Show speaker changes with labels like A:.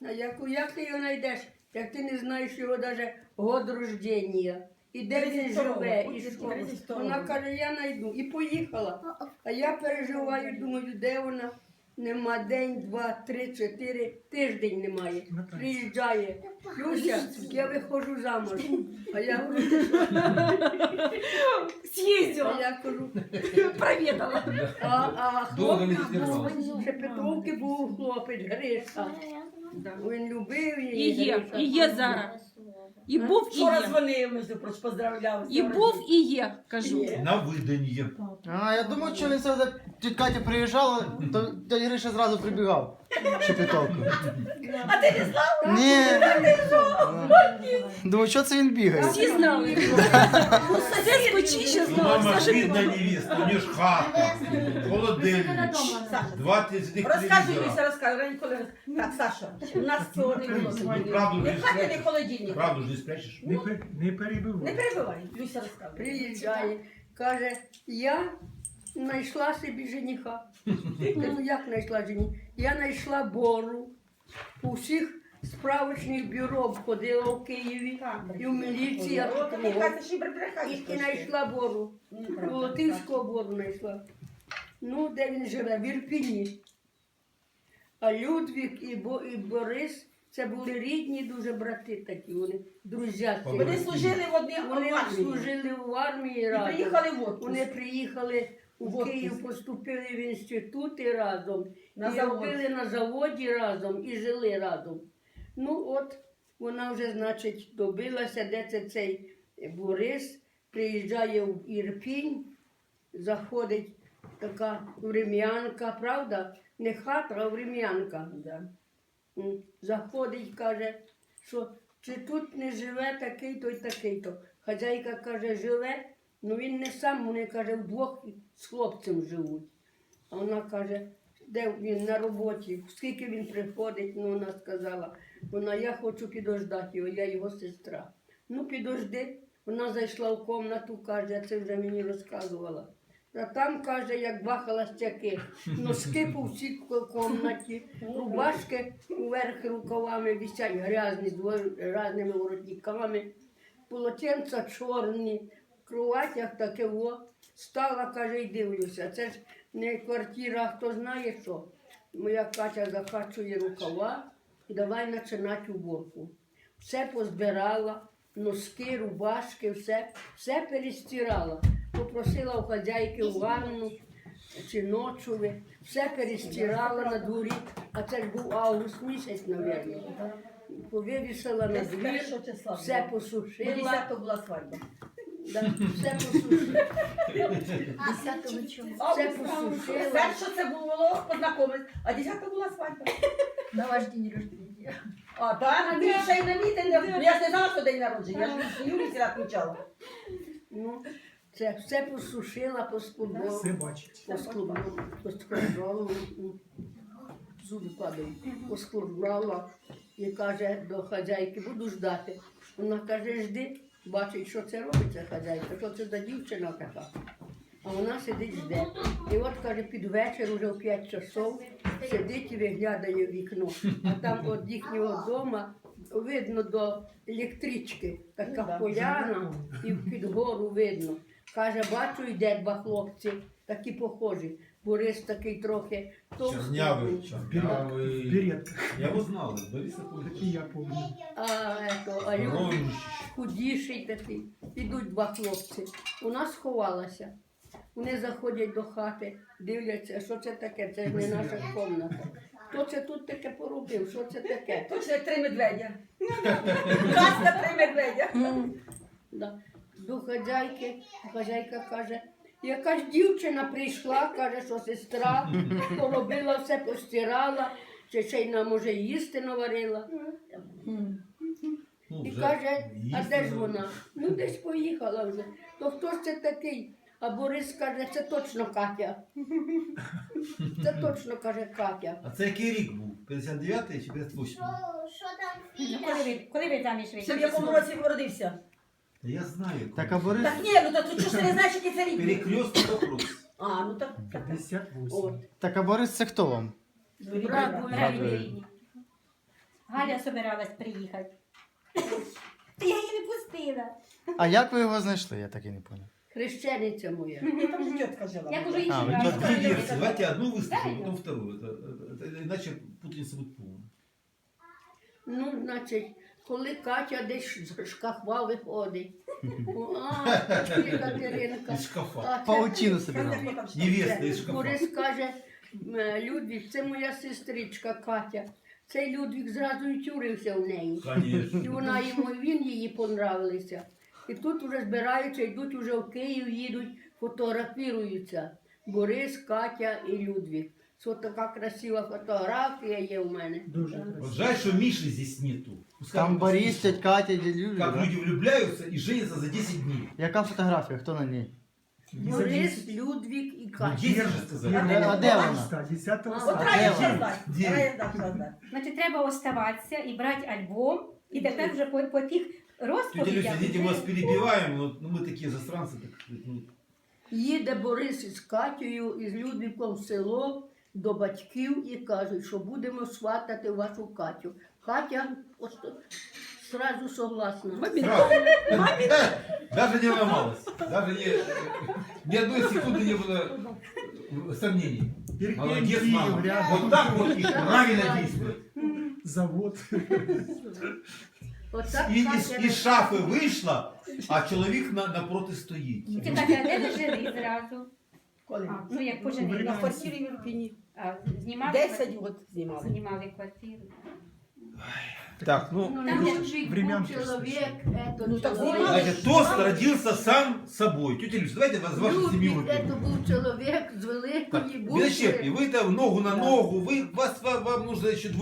A: А як ти його знайдеш, як ти не знаєш його навіть год рождення? І де він живе, і що? Вона каже, я знайду. І поїхала. А я переживаю, думаю, де вона? Нема день, 2, 3, 4, тиждень немає. Приїжджає. Люся, я виходжу замуж. А я говорю, ти що?
B: Съездила,
A: А я кажу,
B: проведала.
C: Довго не
A: хлопець був,
C: відкривала.
A: ще Петровки був хлопець, Гриша. Він любив
B: І
A: її.
B: є,
A: Гриша.
B: і є зараз. І був, і
D: Вчора
B: є.
D: дзвонив, між прочим, поздравляв.
B: І був, і є, кажу.
A: Є.
C: На виданні.
E: А, я думаю, що він сюди, тітя Катя приїжджала, то дядя Гриша зразу прибігав. Шепетовку.
D: А ти не знав?
E: Ні. Думаю, що це він бігає?
B: Всі знали. Сосед скочище
C: Ну,
B: знав.
C: мама,
B: Саша
C: бідна невіста, у нее ж хата, холодильник, 20
D: Розказуй,
C: телевізора.
D: Люся, розказуй. Раніше коли Так, Саша, у нас цього не було.
C: Ну, правду
D: Не
C: ж
D: в хаті, не
C: спрячеш.
D: холодильник.
C: Правду ж не спрячеш.
F: Не перебивай.
D: Не перебивай, Люся розказує.
A: Приїжджає, каже, я знайшла собі жениха. Ну як знайшла жениха? Я знайшла бору. У всіх справочних бюро обходила в Києві і в міліції. І знайшла бору. Волотинського бору знайшла. Ну, де він живе? В Ірпіні. А Людвік і Борис, це були рідні дуже брати такі, вони друзяки.
D: Вони служили в одній
A: Вони
D: армії.
A: служили в армії
D: І
A: разом.
D: приїхали в отпуск.
A: Вони приїхали у Київ, поступили в інститути разом,
D: На
A: і
D: завод.
A: робили на заводі разом, і жили разом. Ну от, вона вже, значить, добилася, де це цей Борис, приїжджає в Ірпінь, заходить така врем'янка, правда? Не хата, а врем'янка. Заходить, каже, що чи тут не живе такий-то і такий-то. Хазяйка каже, живе, ну він не сам, вони, каже, вдвох з хлопцем живуть. А вона каже, де він на роботі, скільки він приходить, ну вона сказала, я хочу підождати його, я його сестра. Ну підожди, вона зайшла в кімнату, каже, це вже мені розказувала. А там, каже, як два холостяки, носки по всій кімнаті, рубашки вверх рукавами висять грязні, з різними воротниками, полотенця чорні, в кроватях таке во. Стала, каже, і дивлюся, це ж не квартира, хто знає що. Моя Катя закачує рукава і давай починати уборку. Все позбирала, носки, рубашки, все перестирала. Попросила у хазяйки в ванну чи ночове, все перестирала на дворі, а це ж був август місяць, мабуть. Повивісила на двір, все посушила.
D: 10-го була свадьба.
A: Да, все посушила. Все посушила.
D: Перше це було познайомитись, а 10-го була свадьба.
G: На ваш день рождения.
D: А, так, ти ще й на мій день народження. Ну, я ж не знала, що день народження, я ж в Юлі сіла відмічала.
A: Ну, це все посушила, поскладала.
F: Все бачить.
A: Поскладала, зуби падають, поскладала і каже до хазяйки, буду ждати. Вона каже, жди, бачить, що це робиться хазяйка, що це за дівчина така. А вона сидить жде. І от, каже, під вечір, уже в 5 часов, сидить і виглядає в вікно. А там від їхнього дому видно до електрички, така поляна, і під гору видно. Каже, бачу, йде два хлопці, такі похожі. Борис такий трохи
C: Чернявий, чернявий.
F: Вперед.
C: Я его знал, Бориса
F: Такие я помню.
A: а Люд худіший такий. Ідуть два хлопці. Вона сховалася. Вони заходять до хати, дивляться, що це таке, це ж не наша кімната. Хто це тут таке поробив, що це таке?
D: Точно як 3 медведя. Казка 3 медведя.
A: Да. До хазяйки, хазяйка каже, якась дівчина прийшла, каже, що сестра, поробила все, постирала, чи ще й нам може їсти наварила.
C: Ну,
A: І
C: вже
A: каже, а
C: їсти
A: де ж
C: вже.
A: вона? Ну десь поїхала вже. То хто ж це такий? А Борис каже, це точно Катя. Це точно, каже, Катя.
C: А це який рік був? 59-й чи 58-й?
B: Коли ви заміж
D: Ще в
B: вийшли?
D: якому році народився?
C: Та я знаю.
E: Так, а Борис?
D: Так ні, ну так ти чого ж ти не знаєш, який це рік?
C: Перекрестный вопрос.
D: А, ну так.
F: 58.
A: От.
E: Так, а Борис це хто вам?
A: Брат був
E: Брат.
A: рідний.
H: Галя собиралась приїхати. Я її не пустила.
E: А як ви його знайшли? Я так і не понял.
A: Хрещениця моя.
D: Ні, там же тітка жила.
H: Я кажу,
E: А, ви
H: інші
E: тітка.
H: брали.
C: Две версии. Давайте одну выставим, потом вторую. Иначе путаница будет полная.
A: Ну, значить, коли Катя десь з шкафа виходить. Катеринка.
C: Из шкафа.
A: А це
E: Паутину собирав.
C: Невеста из шкафа.
A: Борис каже, Людвік, це моя сестричка Катя. Цей Людвік зразу й тюрився в неї. І
C: Конечно.
A: вона йому, і він їй понравилися. І тут вже збираються, йдуть вже в Київ, їдуть, фотографіруються. Борис, Катя і Людвік. Це така красива фотографія є в мене.
F: Дуже
C: Вот
F: красиво.
C: жаль, что Миши здесь нету. Пускай
E: Там
C: он
E: Борис,
C: послушает,
E: тетя Катя, дядя Юрій.
C: как
E: да?
C: люди влюбляются и женятся за 10 дней.
E: Яка фотографія? Хто на ній?
A: Борис, Людвік і
C: Ну,
A: Катя.
C: 10 же сказали.
E: А де вона?
F: 10
D: От
A: А,
D: рає
E: де
D: ще
E: вона?
D: здати.
C: Де?
D: Рає здати, що здати.
H: Значить, треба оставатися і брати альбом. І тепер вже по тих
C: Тетя
H: розповідях.
C: Люся, видите, мы вас перебиваем, но мы такие застранцы. Так, сказать, ну,
A: Їде Борис із Катєю, із Людвіком в село до батьків і кажуть, що будемо сватати вашу Катю. Катя сразу согласна.
C: сразу. Даже не ломалась. Даже ни одной секунды не было сомнений. Молодец,
F: Киев
C: мама.
F: рядом.
C: Вот так вот и правильно действует.
F: Завод.
A: Отак
C: И
A: Катя
C: из шафы вышла, а чоловік напроти стоїть.
H: Тітя Катя, де ви жили зразу?
D: Коли?
H: Ну, як поженили.
D: На квартирі в Ірпіні.
H: А, знімали?
D: 10 років знімали.
H: Знімали квартиру.
C: Так, ну,
A: Ну, Людвік
F: Времен
A: був чоловік,
D: Ну, так
A: чоловік.
D: знімали.
C: значит, тост родился сам собой. Тетя Люся, давайте вас вашу семью
A: Людвік,
C: выпьем.
A: це був чоловік з
C: Так,
A: великої
C: без ощепки,
A: букви.
C: вы там ногу на ногу, вам нужно еще двое